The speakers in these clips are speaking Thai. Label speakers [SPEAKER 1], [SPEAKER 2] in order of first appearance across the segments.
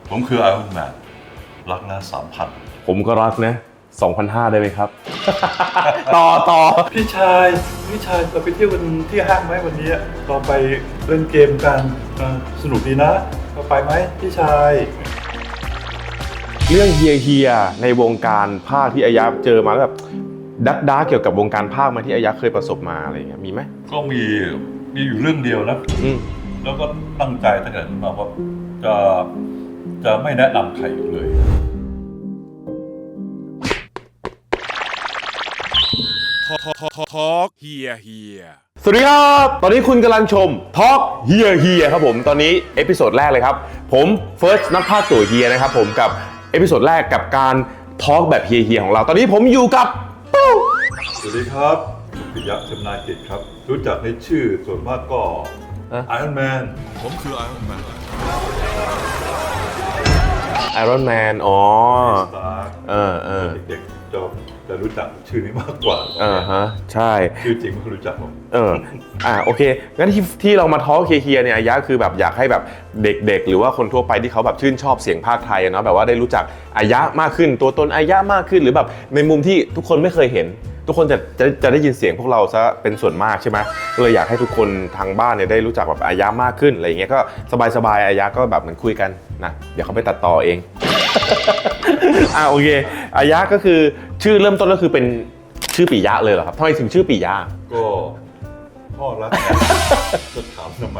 [SPEAKER 1] ผมคือไอรอนแมนรักนะ3,000
[SPEAKER 2] ผมก็รักนะ2,500ได้ไหมครับ ต่อ
[SPEAKER 1] พี่ชายเราไปเที่ยวกันที่ห้างไหมวันนี้เราไปเล่นเกมกันสนุกดีนะเราไปไหมพี่ชาย
[SPEAKER 2] เรื่องเฮียในวงการภาคที่อายะเจอมาแล้วแบบดักเกี่ยวกับวงการภาคมาที่อายะเคยประสบมาอะไรเงี้ยมีไหม
[SPEAKER 1] ก็มีอยู่เรื่องเดียวนะแล้วก็ตั้งใจตั้งแต่นั้นมาว่าจะไม่แนะนำใครอีกเลย
[SPEAKER 3] ทอกเฮีย
[SPEAKER 2] สวัสดีครับตอนนี้คุณกำลังชมทอล์กเฮียครับผมตอนนี้เอพิโซดแรกเลยครับผมเฟิร์สนักภาคตัวเฮียนะครับผมกับเอพิโซดแรกกับการทอล์กแบบเฮียของเราตอนนี้ผมอยู่กับ
[SPEAKER 1] สวัสดีครับปิยะชำนาญกิจครับรู้จักในชื่อส่วนมากก็ไอรอนแมนผมคือไอรอนแมน
[SPEAKER 2] ไอรอนแมนอ๋อ
[SPEAKER 1] เด็กๆจะรู้จักชื่อนี้มากกว่า
[SPEAKER 2] ใช่
[SPEAKER 1] ชื่อจริงไม่รู้จักผม
[SPEAKER 2] โอเคงั้นที่เรามาทอล์กเฮียเนี่ยอายะคือแบบอยากให้แบบเด็กๆหรือว่าคนทั่วไปที่เขาแบบชื่นชอบเสียงภาคไทยเนาะแบบว่าได้รู้จักอายะมากขึ้นตัวตนอายะมากขึ้นหรือแบบในมุมที่ทุกคนไม่เคยเห็นทุกคนจะได้ยินเสียงพวกเราซะเป็นส่วนมากใช่ไหมก็เลยอยากให้ทุกคนทางบ้านเนี่ยได้รู้จักแบบอายะมากขึ้นอะไรอย่างเงี้ยก็สบายอายะก็แบบเหมือนคุยกันนะเดี๋ยวเขาไปตัดต่อเอง โอเคอายะก็คือชื่อเริ่มต้นก็คือเป็นชื่อปิยะเลยเหรอครับทำไมถึงชื่อปิยะ
[SPEAKER 1] ก็พ่อรักจะถามทำไม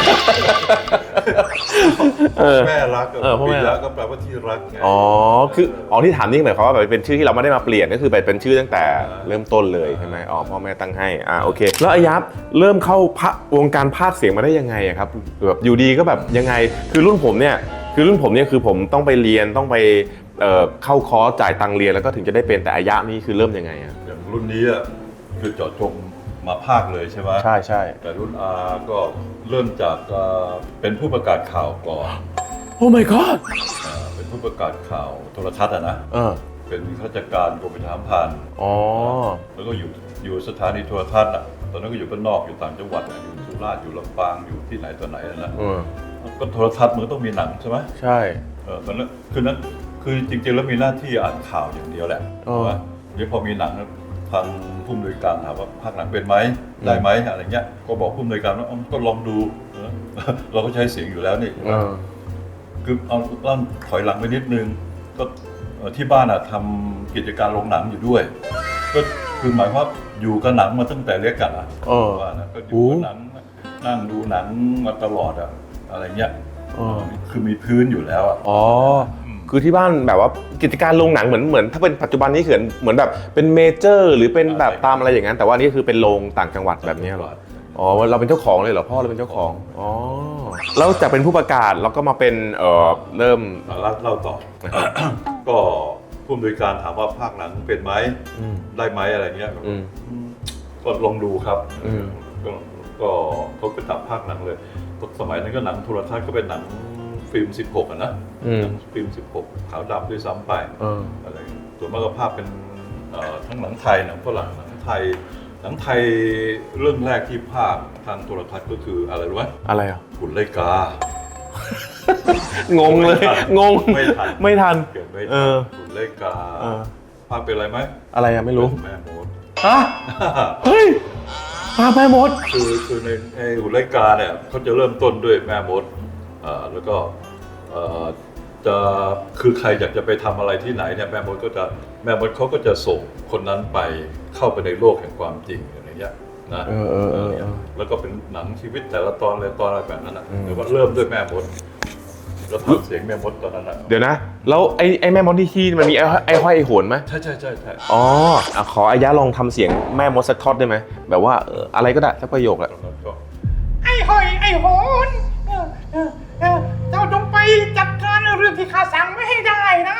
[SPEAKER 1] แม่รักปิยะก็แปลว่าที่รักไง
[SPEAKER 2] คือที่ถามนี่หมายความว่าแบบเป็นชื่อที่เราไม่ได้มาเปลี่ยนก็คือเป็นชื่อตั้งแต่เริ่มต้นเลยใช่ไหมพ่อแม่ตั้งให้โอเคแล้วอายะเริ่มเข้าวงการพากย์เสียงมาได้ยังไงครับแบบอยู่ดีก็แบบยังไงคือรุ่นผมเนี่ยคือผมต้องไปเรียนต้องไปเข้าคอร์สจ่ายตังค์เรียนแล้วก็ถึงจะได้เป็นแต่อายะนี่คือเริ่มยังไง
[SPEAKER 1] อย่างรุ่นนี้คือเจาะจงมาภาคเลยใช่ไหม
[SPEAKER 2] ใช่
[SPEAKER 1] แต่รุ่นอาก็เริ่มจากเป็นผู้ประกาศข่าวก่อน
[SPEAKER 2] โอ้ my god
[SPEAKER 1] เป็นผู้ประกาศข่าวโทรทัศน์นะเป็นข้าราชการกรมประชาสัมพันธ์แล้วก็อยู่สถานีโทรทัศน์ตอนนั้นก็อยู่บ้านนอกอยู่ต่างจังหวัดอยู่สุราษฎร์อยู่ลำปางอยู่ที่ไหนตัวไหนนะก็โทรทัศน์มันต้องมีหนังใช่ไหม
[SPEAKER 2] ใช่
[SPEAKER 1] ตอนนั้นคือจริงๆแล้วมีหน้าที่อ่านข่าวอย่างเดียวแหละว่าเดี๋ยวพอมีหนังทางผู้อำนวยการถามว่าภาคหนังเป็นไหมได้ไหมอะไรเงี้ยก็บอกผู้อำนวยการว่าก็ลองดูเราก็ใช้เสียงอยู่แล้วนี่คือเอาถอยหลังไปนิดนึงก็ที่บ้านทำกิจการโรงหนังอยู่ด้วยก็คือหมายว่าอยู่กับหนังมาตั้งแต่เล็กกันว่านะก็อยู่กับหนังนั่งดูหนังมาตลอดอะไรเงี้ยคือมีพื้นอยู่แล้ว
[SPEAKER 2] คือที่บ้านแบบว่ากิจการโรงหนังเหมือนถ้าเป็นปัจจุบันนี้เหมือนแบบเป็นเมเจอร์หรือเป็นแบบตามอะไรอย่างนั้นแต่ว่านี่คือเป็นโรงต่างจังหวัดแบบนี้หรอเราเป็นเจ้าของเลยเหรอพ่อเราเป็นเจ้าของแล้วจากเป็นผู้ประกาศแล้วก็มาเป็นเริ่ม
[SPEAKER 1] เล่าต่อ ก็ผู้อำนวยการถามว่าภาคหนังเป็นไหมได้ไหมอะไรเงี้ยก็ลองดูครับก็เขาไปตัดภาคหนังเลยสมัยนั้นก็หนังโทรทัศน์ก็เป็นหนังฟิล์ม16นะฟิล์ม16ขาวดำด้วยซ้ำไปอะไรส่วนมากก็ภาพเป็นทั้งหนังไทยหนังฝรั่งหนังไทยเรื่องแรกที่ภาพทางโทรทัศน์ก็คืออะไรรู้ไหม
[SPEAKER 2] อะไร
[SPEAKER 1] หุ่นไลกา
[SPEAKER 2] งงเลยงงไม่ทัน
[SPEAKER 1] เกิดไม่ทันหุ่นไลกาภาพเป็นอะไรไหม
[SPEAKER 2] อะไรไม่รู้
[SPEAKER 1] แม่มด
[SPEAKER 2] เฮ้ยภาพแม่มด
[SPEAKER 1] คือในหุ่นไลกาเนี่ยเขาจะเริ่มต้นด้วยแม่มดแล้วก็จะคือใครอยากจะไปทำอะไรที่ไหนเนี่ยแม่มดเขาก็จะส่งคนนั้นไปเข้าไปในโลกแห่งความจริงอะไรเงี้ยนะแล้วก็เป็นหนังชีวิตแต่ละตอนอะไรแบบนั้นหรือว่าเริ่มด้วยแม่มดแล้วทำเสียงแม่มดตอนนั้น
[SPEAKER 2] เดี๋ยวนะแล้วไอ้แม่มดที่มันมีไอ้ห้อยไอ้โหนไหม
[SPEAKER 1] ใช่
[SPEAKER 2] ขออายะลองทำเสียงแม่มดสักทอดได้ไหมแบบว่าอะไรก็ได้สักประโยคแหละ
[SPEAKER 4] ไอ้ห้อยไอ้โหนเจ้าจงไปจัดการเรื่องที่ข้าสั่งไม่ให้ได้นะ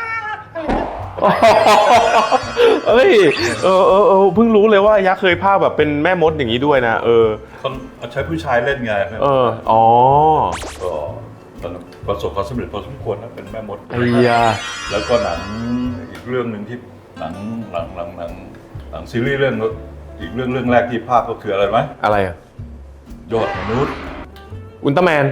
[SPEAKER 2] เอ้ยเพิ่งรู้เลยว่ายักษ์เคยภาคแบบเป็นแม่มดอย่างนี้ด้วยนะ
[SPEAKER 1] เขาใช้ผู้ชายเล่นไงก็ประสบความสำเร็จพอสมควรนะเป็นแม่มดแล้วก็หนังอีกเรื่องหนึ่งที่หนังซีรีส์เรื่องอีกเรื่องแรกที่ภาคก็คืออะไรไหม
[SPEAKER 2] อะไร
[SPEAKER 1] ยอดมนุษย์
[SPEAKER 2] อุลตร้าแมน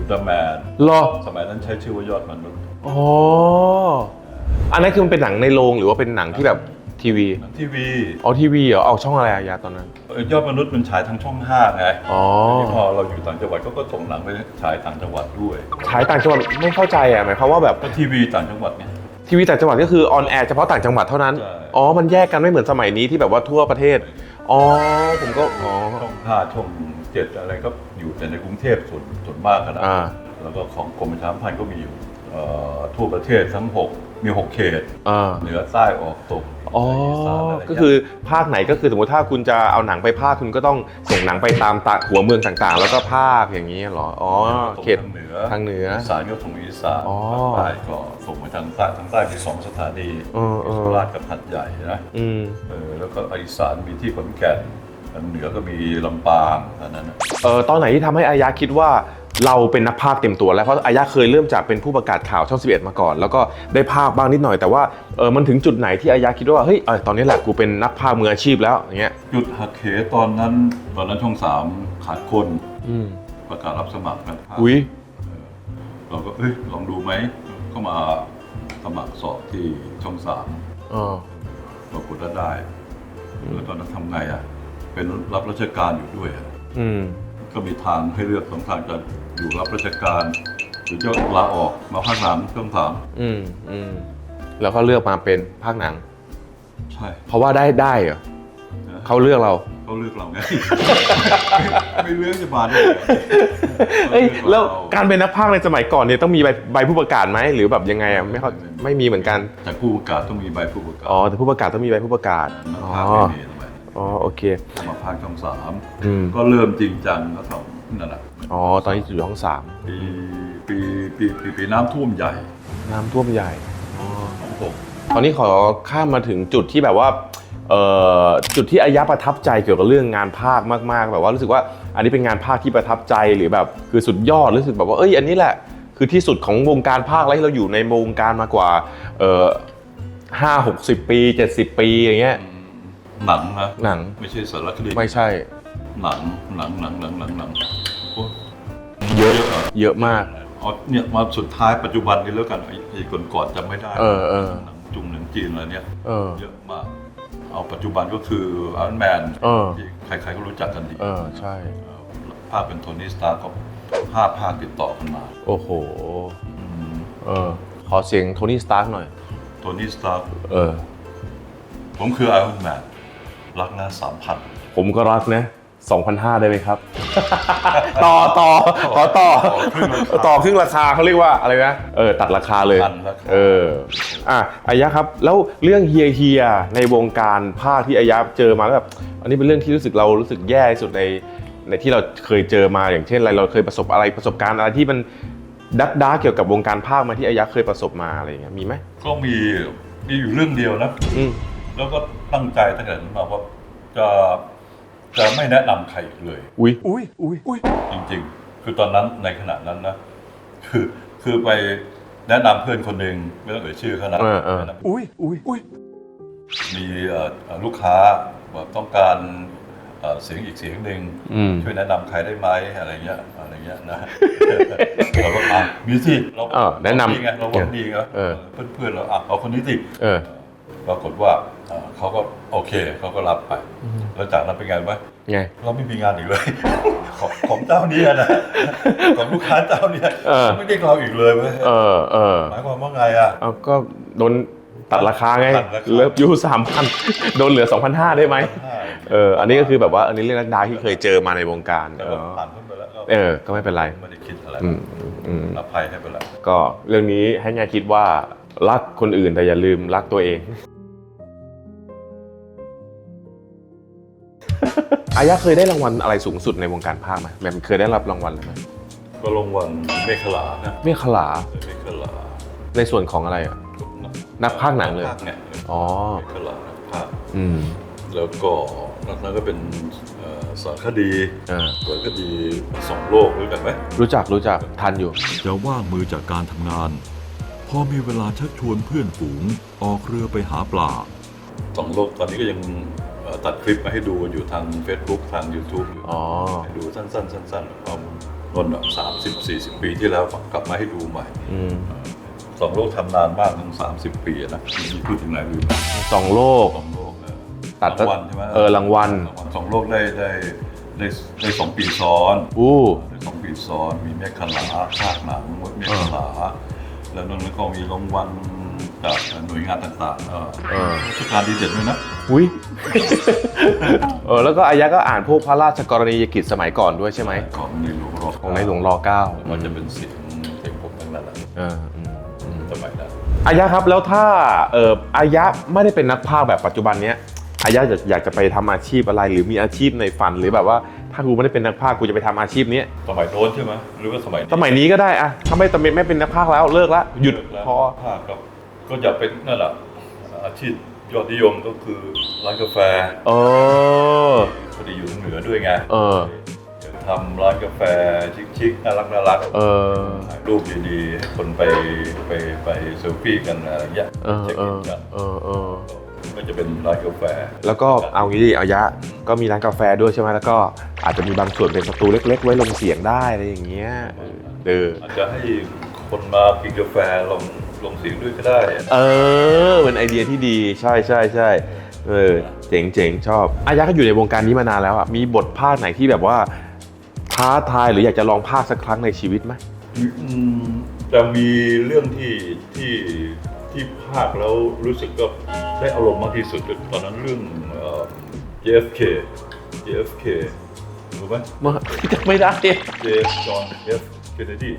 [SPEAKER 1] อุลตร้าแมน
[SPEAKER 2] เหรอ
[SPEAKER 1] สมัยนั้นใช้ชื่อว่ายอดมนุษย์
[SPEAKER 2] อ๋ออันนั้นคือมันเป็นหนังในโรงหรือว่าเป็นหนังที่แบบทีวี
[SPEAKER 1] ทีวี
[SPEAKER 2] อ๋อทีวีเหรอเอาช่องอะไรอะยาตอนนั้น
[SPEAKER 1] ยอดมนุษย์มันฉายทางช่อง5ไง
[SPEAKER 2] อ๋อ
[SPEAKER 1] ทีนี้พอเราอยู่ต่างจังหวัดก็ส่งหนังไปฉายต่างจังหวัดด้วย
[SPEAKER 2] ฉายต่างจังหวัดไม่เข้าใจอ่ะหมายความว่าแบบ
[SPEAKER 1] ก็ทีวีต่างจังหวัดไง
[SPEAKER 2] ทีวีต่างจังหวัดก็คือออนแอร์เฉพาะต่างจังหวัดเท่านั้น
[SPEAKER 1] ใช่
[SPEAKER 2] อ๋อมันแยกกันไม่เหมือนสมัยนี้ที่แบบว่าทั่วประเทศอ๋อผมก็อ๋อ
[SPEAKER 1] ช่อง5ช่อง7อะไรก็อยู่แต่ในกรุงเทพส่วนมากนะ
[SPEAKER 2] อ่า
[SPEAKER 1] แล้วก็ของกรมประชาสัมพันธ์ก็มีอยู่ทั่วประเทศทั้ง6มี6เขต
[SPEAKER 2] อ่า
[SPEAKER 1] เหนือใต้ออกตก
[SPEAKER 2] อ๋อ
[SPEAKER 1] อีสานอะไรเงี้ย
[SPEAKER 2] ก็คือภาคไหนก็คือสมมติถ้าคุณจะเอาหนังไปภาคคุณก็ต้องส่งหนังไปตามหัวเมืองต่างๆ แล้วก็ภาคอย่างนี้เหรออ๋อเขต
[SPEAKER 1] ทางเหนือ
[SPEAKER 2] ทางเหนือ
[SPEAKER 1] อีสานก็ส่งอีสาน
[SPEAKER 2] อ๋อ
[SPEAKER 1] ภาคใต้ก็ส่งไปทางใต้มี2สถานี
[SPEAKER 2] เออ
[SPEAKER 1] โคราชกับหัดใหญ่นะ
[SPEAKER 2] อืม
[SPEAKER 1] แล้วก็อีสานมีที่ขอนแก่นทางเหนือก็มีลำปางเท่านั้นนะ
[SPEAKER 2] ตอนไหนที่ทำให้อายะคิดว่าเราเป็นนักพากย์เต็มตัวแล้วเพราะอายะเคยเริ่มจากเป็นผู้ประกาศข่าวช่อง 11 มาก่อน แล้วก็ได้พากย์บ้างนิดหน่อยแต่ว่ามันถึงจุดไหนที่อายะคิดว่าเฮ้ยตอนนี้แหละกูเป็นนักพากย์มืออาชีพแล้วอย่างเงี้ย
[SPEAKER 1] จุดหักเหตอนนั้นช่อง3ขาดคน
[SPEAKER 2] อืม
[SPEAKER 1] ประกาศรับสมัครนักพากย์
[SPEAKER 2] อุ้ย
[SPEAKER 1] เราก็ลองดูไหมก็มาสมัครสอบที่ช่อง3
[SPEAKER 2] อ๋อ
[SPEAKER 1] ปรากฏว่าได้แล้วตอนนั้นทำไงอ่ะเป็นรับราชการอยู่ด้วยอะ
[SPEAKER 2] อืม
[SPEAKER 1] ก็มีทางให้เลือก2ทางจะอยู่รับราชการหรือจะลาออกมาภาคหนังช่อง3
[SPEAKER 2] อืมแล้วก็เลือกมาเป็นภาคหนัง
[SPEAKER 1] ใช่
[SPEAKER 2] เพราะว่าได้เหรอเขาเลือกเรา
[SPEAKER 1] เขาเลือกเราไง ไม่เลือกจะมาได้ไง
[SPEAKER 2] เอ้ยแล้วการเป็นนักพากย์ในสมัยก่อนเนี่ยต้องมีใบผู้ประกาศไหมหรือแบบยังไงอ่ะไม่มีเหมือนกัน
[SPEAKER 1] แต่ผู้ประกาศต้องมีใบผู้ประกาศ
[SPEAKER 2] อ๋อแต่ผู้ประกาศต้องมีใบผู้ประกาศ
[SPEAKER 1] นัก
[SPEAKER 2] อ๋อ
[SPEAKER 1] พากย์ไม่มีทำไม
[SPEAKER 2] อ๋อโอเค
[SPEAKER 1] มาภาคช่อง
[SPEAKER 2] อืม
[SPEAKER 1] 3ก็เริ่มจริงจังแล้วทำนั่นแหละ
[SPEAKER 2] อ๋อตอนนี้อยู่ห้องสาม
[SPEAKER 1] ปีน้ำท่วมใหญ่
[SPEAKER 2] น้ำท่วมใหญ่
[SPEAKER 1] 26
[SPEAKER 2] ตอนนี้ขอข้ามมาถึงจุดที่แบบว่าจุดที่อายะประทับใจเกี่ยวกับเรื่องงานภาคมากๆแบบว่ารู้สึกว่าอันนี้เป็นงานภาคที่ประทับใจหรือแบบคือสุดยอดรู้สึกแบบว่าอันนี้แหละคือที่สุดของวงการภาคแล้วที่เราอยู่ในวงการมากว่า50-60 ปี 70 ปีอย่างเงี้ย
[SPEAKER 1] หนังนะ
[SPEAKER 2] หนัง
[SPEAKER 1] ไม่ใช่สารคดี
[SPEAKER 2] ไม่ใช่
[SPEAKER 1] หนังโอ้
[SPEAKER 2] เยอะ
[SPEAKER 1] หร
[SPEAKER 2] เยอะมาก
[SPEAKER 1] เนี่ยมาสุดท้ายปัจจุบันนี้แล้วกันไอ้ก่อนๆจำไม่ได้
[SPEAKER 2] เออ
[SPEAKER 1] หนังจุงหนังจีนอะไรเนี่ย เยอะมากเอาปัจจุบันก็คือไอรอนแมนที่ใครๆก็รู้จักกันดี
[SPEAKER 2] ใช่
[SPEAKER 1] ภาคเป็นโทนี่สตาร์ก็5 ภาคติดต่อกันมา
[SPEAKER 2] โอ้โหขอเสียงโทนี่สตาร์กหน่อย
[SPEAKER 1] โทนี่สตาร์ ผมคือไอรอนแมนรักนะ 3,000
[SPEAKER 2] ผมก็รักนะ 2,500 ได้ไหมครับ ต่อขอต่อครึ่งราคาเขาเรียกว่าอะไรนะตัดราคาเลยอายะครับแล้วเรื่องเฮียในวงการภาคที่อายะเจอมาแล้วแบบอันนี้เป็นเรื่องที่รู้สึกแย่ที่สุดในที่เราเคยเจอมาอย่างเช่นอะไรเราเคยประสบการณ์อะไรที่มันดักเกี่ยวกับวงการภาคมาที่อายะเคยประสบมาอะไรอย่างเงี้ยมีไหม
[SPEAKER 1] ก็มีอยู่เรื่องเดียวนะแล้วก็ตั้งใจตั้งแต่นั้นมาว่าจะไม่แนะนำใครอีกเลย
[SPEAKER 2] อุ้ย
[SPEAKER 1] จริงๆ คือตอนนั้นในขณะนั้นนะคือไปแนะนำเพื่อนคนหนึ่งไม่ต้องเอ่ยชื่อเขานะมีลูกค้าบอกต้องการเสียงอีกเสียงหนึ่งช่วยแนะนำใครได้ไหมอะไรเงี้ยนะเราก็มีสิเรา
[SPEAKER 2] แนะนำ
[SPEAKER 1] ดีไงเราหวังดีไงเพื่อนเราเอาคนนี้สิปรากฏว่าเขาก็โอเคเขาก็รับไปแล้วจากนั้นเป็นไงไหมเราไม่มีงานอีกเลย ของเจ้านี้นะของลูกค้าเจ้านี้ไม่ได้เราอีกเลยเว้ยหมายความว่าไงอ่ะ
[SPEAKER 2] ก็โดนตัดราคาไงเลิฟยู 3,000 โดนเหลือ 2,500 ได้ไหมอันนี้ก็คือแบบว่าอันนี้เรื่องดักที่เคยเจอมาในวงการ
[SPEAKER 1] ผ่านพ้นไปแล้ว
[SPEAKER 2] ก็ไม่เป็นไร
[SPEAKER 1] ไม่ได้คิดอะไรอภัยให้ไปแล้ว
[SPEAKER 2] ก็เรื่องนี้ให้แง่คิดว่ารักคนอื่นแต่อย่าลืมรักตัวเองอายะเคยได้รางวัลอะไรสูงสุดในวงการภาคไหมแบบเคยได้รับรางวัลอะไรไหม
[SPEAKER 1] ก็รางวัลเมฆขลานะ
[SPEAKER 2] เมฆขลาในส่วนของอะไรอ่ะนักพากย์หนังเลยอ๋อ
[SPEAKER 1] เมฆขลานักพากย์แล้วก็นอกนั้นก็เป็นสารคดี2 โลกรู้จักไหม
[SPEAKER 2] รู้จักทันอยู่
[SPEAKER 5] จะว่างมือจากการทำงานพอมีเวลาชักชวนเพื่อนฝูงออกเรือไปหาปลา
[SPEAKER 1] 2 โลกตอนนี้ก็ยังตัดคลิปมาให้ดูอยู่ทาง Facebook ทาง YouTube อยู่ให้ดูสั้นๆนน30-40 ปีที่แล้วกลับมาให้ดูใหม่ สองโลกทำนานมากถึง30 ปีนะพูดถึงไหนลืม
[SPEAKER 2] สองโลก
[SPEAKER 1] สองโลก
[SPEAKER 2] ตัด
[SPEAKER 1] รางวัลใช่ไหม
[SPEAKER 2] รางวัล
[SPEAKER 1] สองโลกได้2 ปีซ้อน
[SPEAKER 2] อู้
[SPEAKER 1] ได้2 ปีซ้อนมีเมฆขลาภาคหนังมดเมฆขลาแล้วนั่นก็มีรางวัลจากหน่วยงานต่างๆราชการดีเด่นด้วยนะ
[SPEAKER 2] อุ้ย แล้วก็อายะก็อ่านพวกพระราชกรณียกิจสมัยก่อนด้วยใช่ไหม
[SPEAKER 1] ของในหลวงร
[SPEAKER 2] ของในหลวงร9
[SPEAKER 1] มันจะเป็นเสียงผมทั้งนั้นแหละสมัยนั้น
[SPEAKER 2] อายะครับแล้วถ้าอายะไม่ได้เป็นนักพากย์แบบปัจจุบันเนี้ยอายะอยากจะไปทำอาชีพอะไรหรือมีอาชีพในฝันหรือแบบว่าถ้ากูไม่ได้เป็นนักพากย์กูจะไปทำอาชีพนี้
[SPEAKER 1] สมัยโน้นใช่ไหมหรือว่าสมัย
[SPEAKER 2] สมัยนี้ก็ได้อะถ้าไม่เป็นนักพากย์แล้วเลิกละหยุด
[SPEAKER 1] แล้ว
[SPEAKER 2] พอ
[SPEAKER 1] ภาคก็อยากเป็นนั่นแหละอาชีพยอดนิยมก็คือร้านกาแฟพอดีอยู่เหนือด้วยไงอยากทำร้านกาแฟชิคๆน่ารักถ่ายรูปดีๆให้คนไปเซลฟี่กันอะไรอย่างเงี้ยเช็คอินกันก็จะเป็นร้านกาแฟ
[SPEAKER 2] แล้วก็เอางี้ดิอายะก็มีร้านกาแฟด้วยใช่ไหมแล้วก็อาจจะมีบางส่วนเป็นสตูเล็กๆไว้ลงเสียงได้อะไรอย่างเงี้ย
[SPEAKER 1] อาจจะให้คนมากินกาแฟลงเสียงด้วยก็ได้
[SPEAKER 2] เป็นไอเดียที่ดีใช่เจ๋งชอบอายะก็อยู่ในวงการนี้มานานแล้วอ่ะมีบทภาคไหนที่แบบว่าท้าทายหรืออยากจะลองภาคสักครั้งในชีวิตไหม
[SPEAKER 1] จะมีเรื่องที่ภาคแล้วรู้สึกก็ได้อารมณ์มากที่สุดตอนนั้นเรื่อง JFK รู้ไหม
[SPEAKER 2] จำไม่ได้
[SPEAKER 1] จอห์น F. Kennedy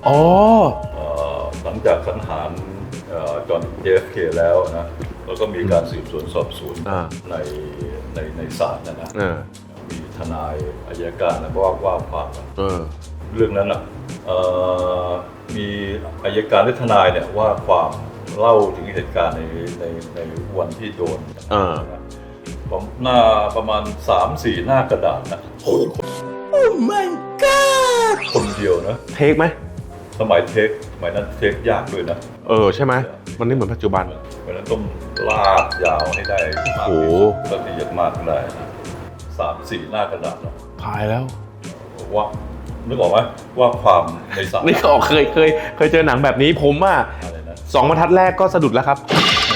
[SPEAKER 1] หลังจากสังหารจอห์น JFK แล้วนะแล้วก็มีการสืบสวนสอบสวนในศาลนะมีทนายอัยการแล้วก็ว่าความเรื่องนั้นมีอัยการและทนายเนี่ยว่าความเล่าถึงเหตุการณ์ในวันที่โดนหน้าประมาณ 3-4 หน้ากระดาษนะโอ้ my god คนเดียวนะ
[SPEAKER 2] เทคไหม
[SPEAKER 1] สมัยนั้นเทคยากด้วยนะ
[SPEAKER 2] ใช่ไหมมันไม่เหมือนปัจจุบัน
[SPEAKER 1] เพราะนั้นต้องลากยาวให้ได้มากที่สุดละเอียดมากได้นะ3-4 หน้ากระดาษนะ
[SPEAKER 2] พายแล้ว
[SPEAKER 1] ว่านึกออกไหมว่าความในสาร
[SPEAKER 2] นี่ก็เคยเจอหนังแบบนี้ผม2 บรรทัดแรกก็สะดุดแล้วครับ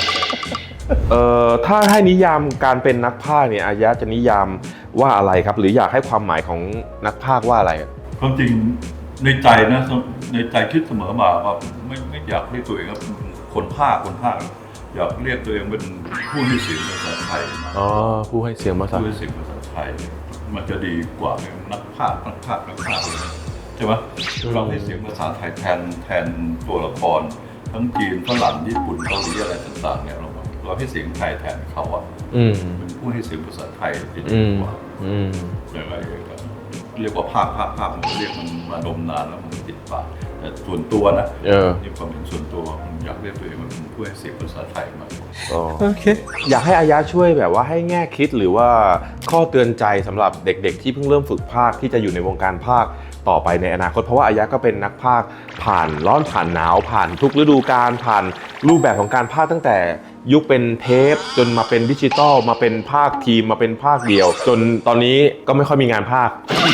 [SPEAKER 2] ถ้าให้นิยามการเป็นนักพากย์เนี่ยอายะจะนิยามว่าอะไรครับหรืออยากให้ความหมายของนักพากย์ว่าอะไร
[SPEAKER 1] ความจริงในใจนะในใจคิดเสมอมาว่าไม่อยากเรียกตัวเองว่าคนพากย์อยากเรียกตัวเองเป็นผู้ให้เสียงภาษาไทย
[SPEAKER 2] ผู้ให้เสียงภาษา
[SPEAKER 1] ไทยมันจะดีกว่านักพากย์เลยใช่ไหมเราให้เสียงภาษาไทยแทนตัวละครทั้งจีนฝรั่งญี่ปุ่นเกาหลีอะไรต่างๆเนี่ยเราให้เสียงไทยแทนเขาเป็นผู้ให้เสียงภาษาไทยดีกว่าอย่างไรเรียกว่าภาคมันเรียกมันมานมนานแล้วมันติดปากแต่ส่วนตัวนะนี่ความเป็นส่วนตัวผมอยากเรียกตัวเองเป็นผู้ให้เสียงภาษาไทยมาก
[SPEAKER 2] โอเคอยากให้อายะช่วยแบบว่าให้แง่คิดหรือว่าข้อเตือนใจสำหรับเด็กๆที่เพิ่งเริ่มฝึกพากย์ที่จะอยู่ในวงการพากย์ต่อไปในอนาคตเพราะว่าอายะก็เป็นนักพากย์ผ่านร้อนผ่านหนาวผ่านทุกฤดูกาลผ่านรูปแบบของการพากย์ตั้งแต่ยุคเป็นเทปจนมาเป็นดิจิตอลมาเป็นภาคทีมมาเป็นภาคเดียวจนตอนนี้ก็ไม่ค่อยมีงานพากย์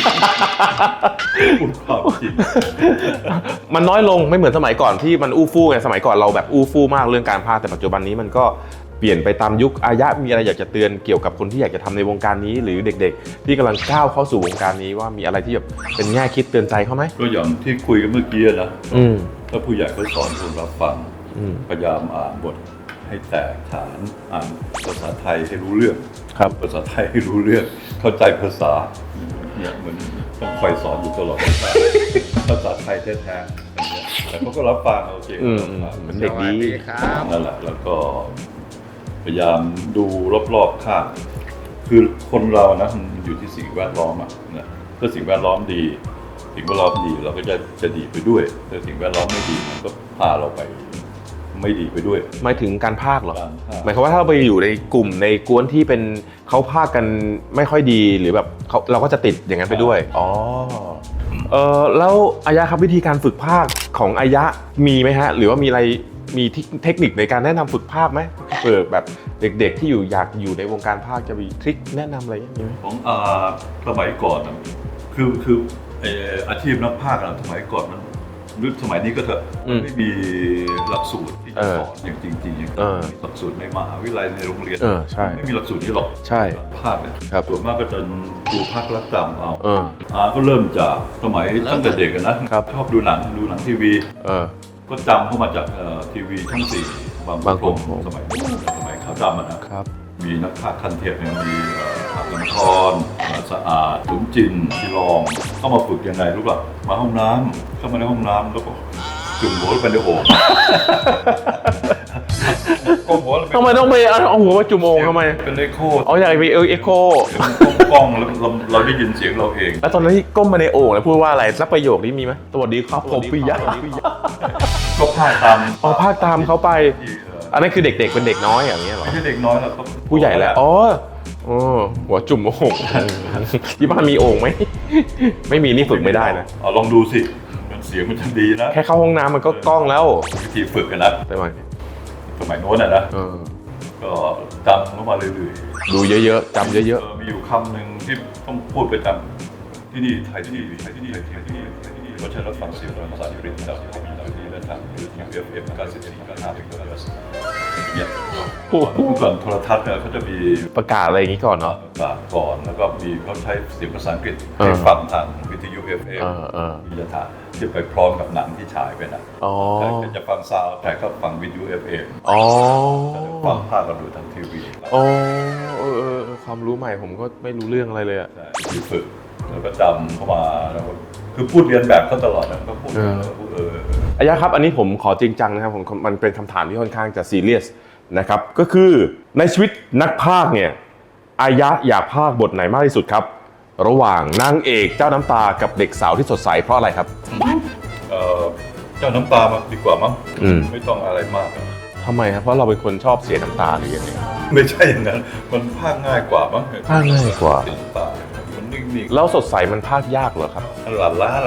[SPEAKER 2] มันน้อยลงไม่เหมือนสมัยก่อนที่มันอู้ฟู่ไงสมัยก่อนเราแบบอู้ฟู่มากเรื่องการพากย์แต่ปัจจุบันนี้มันก็เปลี่ยนไปตามยุคอายะมีอะไรอยากจะเตือนเกี่ยวกับคนที่อยากจะทำในวงการนี้หรือเด็กๆที่กำลังก้าวเข้าสู่วงการนี้ว่ามีอะไรที่แบบเป็นแง่คิดเตือนใจเขาไหม
[SPEAKER 1] ก็อย่างที่คุยกันเมื่อกี้นะถ้าผู้ใหญ่เขาสอนคนรับฟังพยายามอ่านบทให้แตกฐานอ่านภาษาไทยให้รู้เรื่องภาษาไทยให้รู้เรื่องเข้าใจภาษาเนี่ยเหมือนต้องคอยสอนอยู่ตลอดภาษาไทยแท้ๆแต่เขาก็รับฟังโอเค
[SPEAKER 2] เหมือนเด็กดี
[SPEAKER 1] นั่นแหละแล้วก็พยายามดูรอบๆข้างคือคนเรานะมันอยู่ที่สิ่งแวดล้อมนะถ้าสิ่งแวดล้อมดีสิ่งแวดล้อมดีเราก็จะดีไปด้วยถ้าสิ่งแวดล้อมไม่ดีมันก็พาเราไปไม่ดีไปด้วย
[SPEAKER 2] หมายถึงการพากย์เหรอหมายความว่าถ้าเราไปอยู่ในกลุ่มในกวนที่เป็นเขาพากย์กันไม่ค่อยดีหรือแบบเราก็จะติดอย่างนั้นไปด้วยแล้วอายะครับวิธีการฝึกพากย์ของอายะมีไหมฮะหรือว่ามีอะไรมีเทคนิคในการแนะนำฝึกพากย์ไหมเผื่อแบบเด็กๆที่อยากอยู่ในวงการพากย์จะมีทริคแนะนำอะไรอย่างนี้ไหม
[SPEAKER 1] ของสมัยก่อนคือไออาชีพนักพากย์สมัยก่อนมันหรือสมัยนี้ก็เถอะมันไม่มีหลักสูตรที่จะสอนอย่างจริงๆอย่างมีหลักสูตรในมหาวิทยาลัยในโรงเรียน
[SPEAKER 2] ใช่
[SPEAKER 1] ไม่มีหลักสูตรนี้หรอก
[SPEAKER 2] ใช่
[SPEAKER 1] ภาคเนี่ย
[SPEAKER 2] ครับ
[SPEAKER 1] ส่วนมากก็จะครูภาครักจำเอาก็เริ่มจากสมัยตั้งแต่เด็กนะครับ ชอบดูหนังทีวีก็จำเข้ามาจากทีวีช่อง4บางกรมสมัยขาวดำนะครับ มีนักพากย์คันเทพเนี่ยมีอักษรพรสะอาดขุนจินทีรองเข้ามาฝึกยังไงรู้ป่ะมาห้องน้ำเข้ามาในห้องน้ำแล้วก็จุ่มหัวลงไปในโอ่ง
[SPEAKER 2] ทำไมต้องไปเอาหัวมาจุ่มโอ่งทำไม
[SPEAKER 1] เป็นเอ็กโค
[SPEAKER 2] อยากไปเอ็กโค
[SPEAKER 1] กล้องแล้วเราได้ยินเสียงเราเอง
[SPEAKER 2] แล้วตอนนั้นที่ก้มมาในโอ่งแล้วพูดว่าอะไรสักประโยคนี้มีไหมสวัสดีครับผมปิยะ
[SPEAKER 1] ก็พากตาม
[SPEAKER 2] พากตามเขาไปอันนั้นคือเด็กๆเป็นเด็กน้อยอย่างเงี้ยหรอ
[SPEAKER 1] ไม่ใช่เด็กน้อยหรอก
[SPEAKER 2] ผู้ใหญ่แล้วหัวจุ่มโอ่งที่บ้านมีโอ่งไหมไม่มีนี่ฝึกไม่ได้นะ
[SPEAKER 1] ลองดูสิเสียงมันจะดีนะ
[SPEAKER 2] แค่เข้าห้องน้ำมันก็กล้องแล้ว
[SPEAKER 1] วิธีฝึกกันนะสมัยโน้นนะก็จำเข้ามาเรื่อย
[SPEAKER 2] ๆดูเยอะๆจำเยอะ
[SPEAKER 1] ๆมีอยู่คำหนึ่งที่ต้องพูดไปจำที่นี่ไทยที่นี่เราใช้รับฟังเสียงภาษาอังกฤษจากที่มีจากที่เล่นทางFM 94.5เป็นตัวเนี่ยเมื่อก่อนโทรทัศน์เนี่ยเขาจะมี
[SPEAKER 2] ประกาศอะไรอย่างนี้ก่อนเนาะ
[SPEAKER 1] ประกาศก่อนแล้วก็มีเขาใช้เสียงภาษาอังกฤษให้ฟังทางวิทยุ FM วิทยาที่ไปพร้อมกับหนังที่ฉายไปนะแต่จะฟังซาวด์แต่ก็ฟังวิทยุ FM ฟังภาคเราดูทางทีวี
[SPEAKER 2] ความรู้ใหม่ผมก็ไม่รู้เรื่องอะไรเลยอ่ะ
[SPEAKER 1] ฝึกแล้วก็จำเข้ามาแล้วคือพูดเรียนแบบเขาตลอดนะก็พูด
[SPEAKER 2] อายะครับอันนี้ผมขอจริงจังนะครับมันเป็นคำถามที่ค่อนข้างจะซีเรียสนะครับก็คือในชีวิตนักพากย์เนี่ยอายะอยากพากย์บทไหนมากที่สุดครับระหว่างนางเอกเจ้าน้ำตากับเด็กสาวที่สดใสเพราะอะไรครับ
[SPEAKER 1] เจ้าน้ำตามาดีกว่ามั้งไม่ต้องอะไรมาก
[SPEAKER 2] ทำไมครับเพราะเราเป็นคนชอบเสียน้ำตาหรือยังไง
[SPEAKER 1] ไม่ใช่อย่างนั้นมันพากย์ง่ายกว่ามั้ง
[SPEAKER 2] พากย์ง่ายกว่า
[SPEAKER 1] มันนิ่ง
[SPEAKER 2] ๆแล้วสดใสมันพากย์ยากเหรอครับ
[SPEAKER 1] หลั่นล้า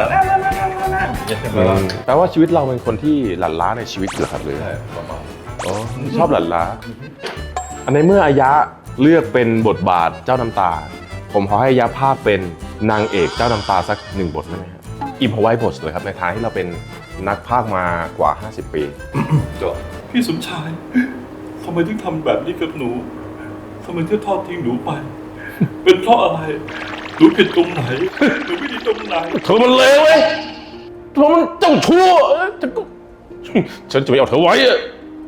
[SPEAKER 2] แปลว่าชีวิตเราเป็นคนที่หลั่นล้าในชีวิตเหรอครับหรือ
[SPEAKER 1] ประมาณ
[SPEAKER 2] ชอบหลั่นล้าอันในเมื่ออายะเลือกเป็นบทบาทเจ้าน้ำตาผมขอให้อายะพากย์เป็นนางเอกเจ้าน้ำตาสัก1บทได้ไหมครับอิมพอไว้บทเลยครับในทางที่เราเป็นนักพากย์มากว่า50ปี
[SPEAKER 1] พี่สมชายทำไมถึงทำแบบนี้กับหนูทำไมถึงทอดทิ้งหนูไปเป็นเพราะอะไรหนูผิดตรงไหนหนูไม่ดีตรงไหน
[SPEAKER 2] เธอมันเลวเว้ยเธอมันเจ้าชั่วฉันจะไม่เอาเธอไว้อะ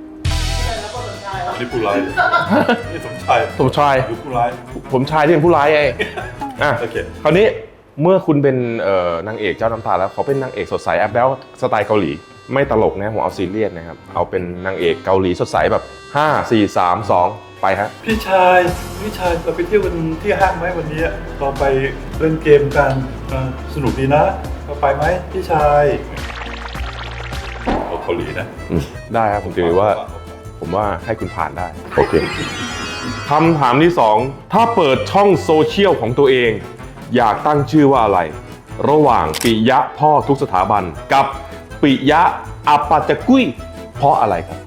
[SPEAKER 1] นี่ผู้ร้ายนี่สมชายหรือผู้ร้าย
[SPEAKER 2] ผมชายที่เป็นผู้ร้ายไง
[SPEAKER 1] โอเค
[SPEAKER 2] คราวนี้เมื่อคุณเป็นนางเอกเจ้าน้ำตาแล้วเขาเป็นนางเอกสดใสแอปแล้วสไตล์เกาหลีไม่ตลกนะผมเอาซีเรียสนะครับเอาเป็นนางเอกเกาหลีสดใสแบบ5 4 3 2ไปฮะ
[SPEAKER 1] พี่ชายเราไปเที่ยวกันที่ห้างไหมวันนี้เราไปเล่นเกมกันสนุกดีนะเราไปไหมพี่ชายเกาหลีนะ
[SPEAKER 2] ได้ครับผมถือว่าให้คุณผ่านได้โอเคคำถามที่2ถ้าเปิดช่องโซเชียลของตัวเองอยากตั้งชื่อว่าอะไรระหว่างปิยะพ่อทุกสถาบันกับปิยะอัปปาจกุยเพราะอะไรครับ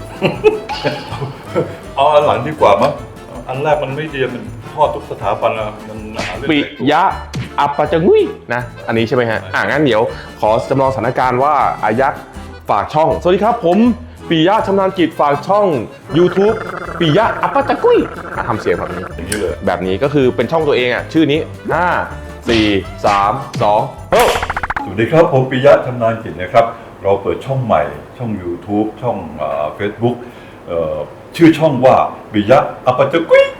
[SPEAKER 1] เอาอันหลังดีกว่ามั้งอันแรกมันไม่ดีมันพ่อทุกสถาบันมัน
[SPEAKER 2] ปิยะอัปปาจกุยนะอันนี้ใช่ไหมฮะงั้นเดี๋ยวขอจำลองสถานการณ์ว่าอายักฝากช่องสวัสดีครับผมปิยะชำนาญกิจฝากช่อง YouTube ปิยะอัปปาจกุยทำเสียงแบบนี้
[SPEAKER 1] อย่างนี้เลย
[SPEAKER 2] แบบนี้ก็คือเป็นช่องตัวเองชื่อนี้5 4 3 2
[SPEAKER 1] สวัสดีครับผมปิยะชำนาญกิจนะครับเราเปิดช่องใหม่ช่อง YouTube ช่องFacebook ชื่อช่องว่าปิยะอัปปาจกุย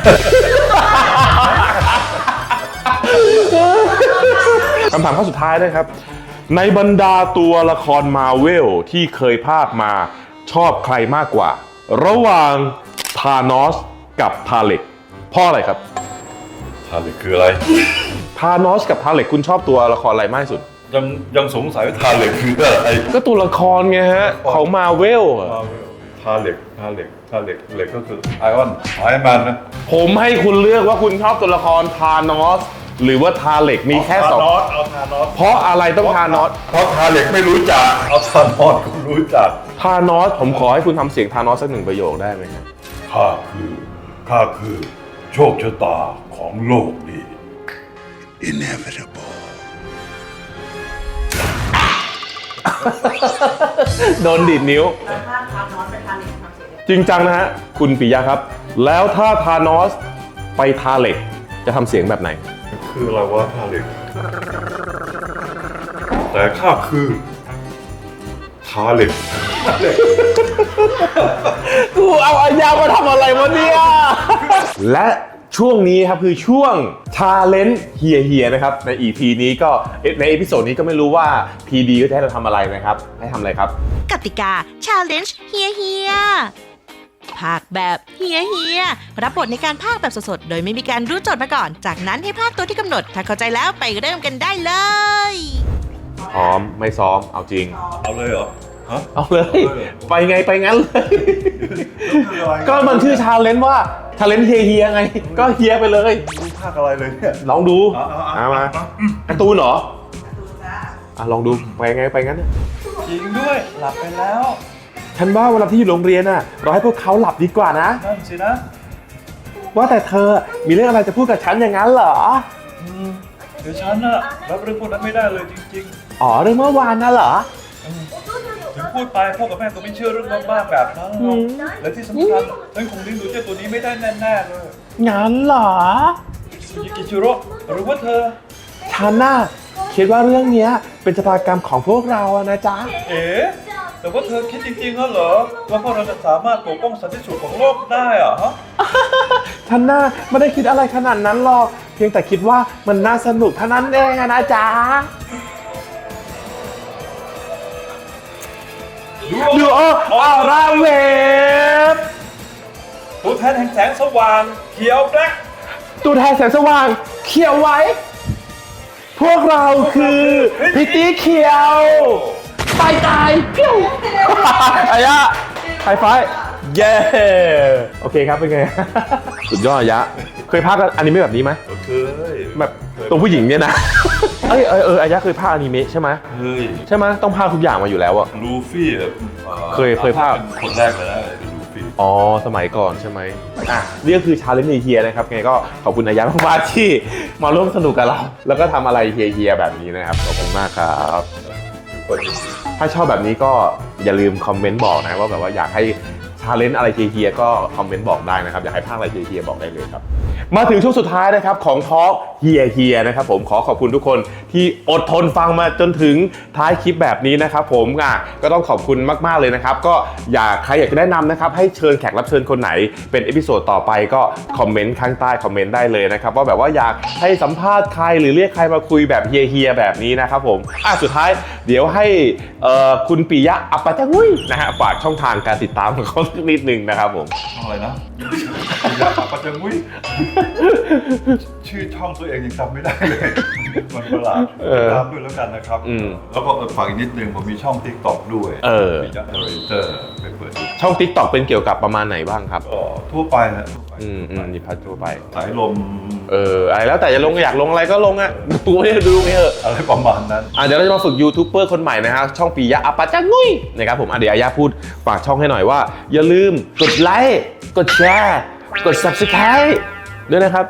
[SPEAKER 2] คำถามข้อสุดท้ายนะครับในบรรดาตัวละครมาเวลที่เคยพากย์มาชอบใครมากกว่าระหว่างธานอสกับทาเล็กเพราะอะไรครับ
[SPEAKER 1] ทาเล็กคืออะไร
[SPEAKER 2] ธานอสกับทาเล็กคุณชอบตัวละครอะไรมากที่สุด
[SPEAKER 1] ยังสงสัยว่าทาเล็กคืออะไร
[SPEAKER 2] ก็ตัวละครไงฮะของมาเวล
[SPEAKER 1] ทาเล็กก็คือไอรอนแมนนะ
[SPEAKER 2] ผมให้คุณเลือกว่าคุณชอบตัวละครธานอสหรือว่าทาเล็กมีแค่2
[SPEAKER 1] เอาธานอส
[SPEAKER 2] เพราะอะไรต้องธานอส
[SPEAKER 1] เพราะทาเล็กไม่รู้จักเอาธานอสคุณรู้จัก
[SPEAKER 2] ธานอสผมขอให้คุณทำเสียงธานอสสัก1ประโยคได้ไหมครับ
[SPEAKER 1] ข้าคือโชคชะตาของโลกนี้
[SPEAKER 6] inevitable
[SPEAKER 2] โดนดีดนิ้ว
[SPEAKER 6] แล้วถ้าทานอนไปทานอีกทำเสร็จ
[SPEAKER 2] จริงจังนะฮะคุณปิยะครับ แล้วถ้าทานอสไปทาเหล็กจะทำเสียงแบบไหน
[SPEAKER 1] คืออะไรวะท่าเหล็กแต่ข้าคือท่าเหล็ก
[SPEAKER 2] กูเอาอายามาทำอะไรวะเนี่ย และช่วงนี้ครับคือช่วงชาเลนจ์เฮียนะครับใน EP นี้ก็ในเอพิโซดนี้ก็ไม่รู้ว่า PD ก็จะให้เราทำอะไรนะครับให้ทำอะไรครับ
[SPEAKER 7] กติกา Challenge เฮียภาคแบบเฮียรับบทในการภาคแบบสดๆ โดยไม่มีการรู้โจทย์มาก่อน จากนั้นให้ภาคตัวที่กำหนด ถ้าเข้าใจแล้วไปเริ่มกันได้เลย
[SPEAKER 2] พร้อมไม่ซ้อมเอาจริง
[SPEAKER 1] เอาเลยเหรอฮะ
[SPEAKER 2] เอาเลย ไปไงไปงั้นเลย ก็มันชื่อชาเลนจ์ว่าชาเลนจ์เฮียไง ก็เฮียไปเลย
[SPEAKER 1] รู้ภาคอะไรเลยเนี่ย
[SPEAKER 2] ลองดู
[SPEAKER 1] เอา
[SPEAKER 2] มาการ์ตูนเหรอลองดูไปไงไปงั้น
[SPEAKER 1] จริงด้วยหลับไปแล้ว
[SPEAKER 2] ฉันว่าเวลาที่อยู่โรงเรียนน่ะเราให้พวกเขาหลับดีกว่านะ
[SPEAKER 1] นั่นสินะ
[SPEAKER 2] ว่าแต่เธอมีเรื่องอะไรจะพูดกับฉันอย่างนั้นเหรอ
[SPEAKER 1] เดี๋ยวฉันน่ะรับเรื่องพวกนั้นไม่ได้เลยจริง
[SPEAKER 2] อ๋อเรื่องเมื่อวานน่ะเหรอ
[SPEAKER 1] ๆ ถึงพูดไปพ่อกับแม่ก็ไม่เชื่อเรื่องบ้าๆแบบนั้นหรอกและที่สำคัญฉันคงเลี้ยงดูเจ้าตัวนี้ไม่ได้แน่ๆเลย
[SPEAKER 2] งั้นเหรอ
[SPEAKER 1] ซูยิกิชิโร่หรือว่าเธอ
[SPEAKER 2] ฉันน่ะคิดว่าเรื่องเนี้ยเป็นชะตากรรมของพวกเราอะนะจ๊ะ
[SPEAKER 1] เอ๋แต่ว่าเธอคิดจริงๆเหรอว่าพวกเราจะสามารถปกป้องสันติสุขของโลกได้อะฮะ
[SPEAKER 2] ฉันน่ะไม่ได้คิดอะไรขนาดนั้นหรอก เพียงแต่คิดว่ามันน่าสนุกเท่านั้นเองอะนะจ๊ะดูออร่าเวฟ
[SPEAKER 1] ตัวแทนแห่งแสงสว่างเขียวแบล็ค
[SPEAKER 2] ตัวแทนแสงสว่างเขียวไว้ พวกเราคือพิตตี้เขียวตายพิ้วอายะไฮไฟว์เย้โอเคครับเป็นไง สุดยอดอายะเคยพากย์อนิเมะแบบนี้ไหม
[SPEAKER 1] เคย
[SPEAKER 2] แบบตัวผู้หญิงเนี่ยนะ อายะเคยพากย์อนิเมะใช่ไหม
[SPEAKER 1] เคย
[SPEAKER 2] ใช่ไหมต้องพากย์ทุกอย่างมาอยู่แล้วอะ
[SPEAKER 1] ลูฟี่อะ
[SPEAKER 2] เคยภาพ
[SPEAKER 1] เป็นคนแรกเลยนะเป็นลูฟี่
[SPEAKER 2] อ๋อสมัยก่อนใช่ไหมนี่ก็คือชาเลนจ์เฮียนะครับไงก็ขอบคุณอายะมากๆที่มาร่วมสนุกกับเรา แล้วก็ทำอะไรเฮียแบบนี้นะครับขอบคุณมากครับ ถ้าชอบแบบนี้ก็อย่าลืมคอมเมนต์บอกนะว่าแบบว่าอยากให้ชาเลนจ์อะไรเฮียก็คอมเมนต์บอกได้นะครับอยากให้ภาคอะไรเฮียบอกได้เลยครับมาถึงช่วงสุดท้ายนะครับของทอล์กเฮียนะครับผมขอบคุณทุกคนที่อดทนฟังมาจนถึงท้ายคลิปแบบนี้นะครับผมก็ต้องขอบคุณมากๆเลยนะครับก็ใครอยากจะแนะนำนะครับให้เชิญแขกรับเชิญคนไหนเป็นเอพิโซดต่อไปก็คอมเมนต์ข้างใต้คอมเมนต์ได้เลยนะครับว่าแบบว่าอยากให้สัมภาษณ์ใครหรือเรียกใครมาคุยแบบเฮียแบบนี้นะครับผมสุดท้ายเดี๋ยวให้คุณปิยะอัปปะจังุยนะฮะฝากช่องทางการติดตามของเขาสักนิดนึงนะครับผม
[SPEAKER 1] ช่องอะไรนะอยากปัจจังมุ้ยชื่อช่องตัวเองยังจำไม่ได้เลย มันประหลาดติดตามด้วยแล้วกันนะครับ แล้วก็ฝากอีกนิดนึงผมมีช่อง TikTok ด้วยมีจักรเตอร์ไปเปิดดู
[SPEAKER 2] ช่อง TikTok เป็นเกี่ยวกับประมาณไหนบ้างครับ
[SPEAKER 1] ก็ทั่วไปนะทั่วไป
[SPEAKER 2] มีพัดทั่วไป
[SPEAKER 1] สายลม
[SPEAKER 2] อะไรแล้วแต่จะลงอยากลงอะไรก็ลงอ่ะดูไม่ดูไม่เถอะ
[SPEAKER 1] อะไรประมาณนั้น
[SPEAKER 2] เดี๋ยวเราจะมาฝึกยูทูบเบอร์คนใหม่นะฮะช่องปิยะอัปปะจังุยนะครับผมเดี๋ยวอายะพูดฝากช่องให้หน่อยว่าอย่าลืมกดไลค์กดแชร์กด Subscribe ด้วยนะครับ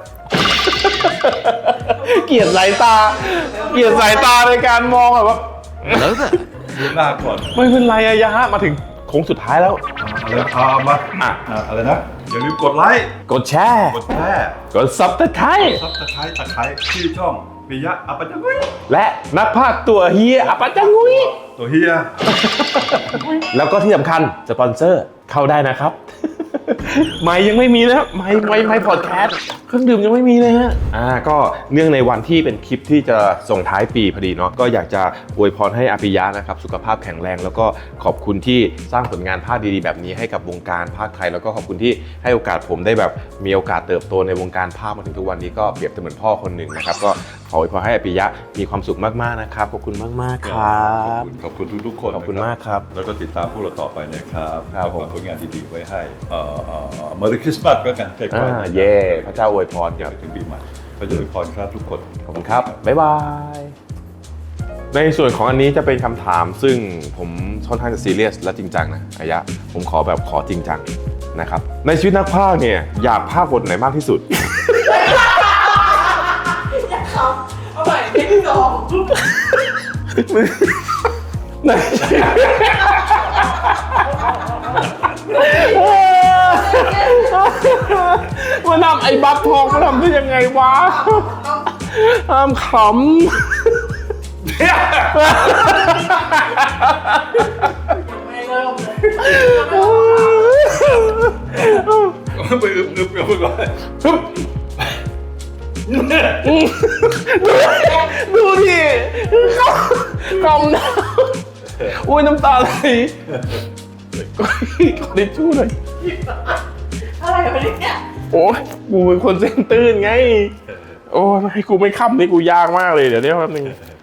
[SPEAKER 2] เกลียดสายตาในการมองแบบว่า
[SPEAKER 1] ดูหน้าก่อน
[SPEAKER 2] ไม่เป็นไรอายะมาถึงโค้งสุดท้ายแล้ว
[SPEAKER 1] อะไรมาอะไรนะอย่าลืมกดไลค์
[SPEAKER 2] กดแชร์
[SPEAKER 1] กดแชร์
[SPEAKER 2] กด Subscribe
[SPEAKER 1] ซับสไครต์ชื่อช่องปิยะอัปปะจังุ้ย
[SPEAKER 2] และนักพากย์ตัวเฮียอัปปะจังุย
[SPEAKER 1] ตัวเฮีย
[SPEAKER 2] แล้วก็ที่สำคัญสปอนเซอร์เข้าได้นะครับ ไม่ยังไม่มีนะไม่พอดแคสต์เครื่องดื่มยังไม่มีเลยฮะก็เนื่องในวันที่เป็นคลิปที่จะส่งท้ายปีพอดีเนาะก็อยากจะอวยพรให้อาปิยะนะครับสุขภาพแข็งแรงแล้วก็ขอบคุณที่สร้างผลงานภาคดีๆแบบนี้ให้กับวงการภาคไทยแล้วก็ขอบคุณที่ให้โอกาสผมได้แบบมีโอกาสเติบโตในวงการภาคมาถึงทุกวันนี้ก็เปรียบเสมือนพ่อคนหนึ่งนะครับก็ขออวยพรให้อาปิยะมีความสุขมากๆนะครับขอบคุณมากๆครับ
[SPEAKER 1] ขอบคุณทุกๆคน
[SPEAKER 2] ขอบคุณมากครับ
[SPEAKER 1] แล้วก็ติดตามพวกเราต่อไปนะครับ
[SPEAKER 2] ครับผม
[SPEAKER 1] ผลงานดีๆไว้ให้Merry Christmas ก็กันใกล้ๆ
[SPEAKER 2] เย่พระเจ้าอวยพรครับ
[SPEAKER 1] ถึงปีใหม่ก็จะอวยพรครับทุกคน
[SPEAKER 2] ขอบคุณครับ บ๊ายบาย ในส่วนของอันนี้จะเป็นคำถามซึ่งผมค่อนข้างจะซีเรียสและจริงจังนะอายะผมขอจริงจังนะครับ ในชีวิตนักพากย์เนี่ยอยากพากย์บทไหนมากที่สุด
[SPEAKER 6] อยากขำเอาใหม่เพลงที่สอง
[SPEAKER 2] มันทำไอ้บัฟทองมันทำได้ยังไงวะห้ามขำ
[SPEAKER 1] ไปอึบๆกันก่อน
[SPEAKER 2] ดูดิกำน้ำอุ้ยน้ำตาไหลขอทิชชู่หน่อย
[SPEAKER 6] อะไรวะเนี่ย
[SPEAKER 2] โอ้ยกูเป็นคนเส้นตื้นไง โอ้ยให้กูไม่ค้ำนี่กูยากมากเลยเดี๋ยวแป๊บนึง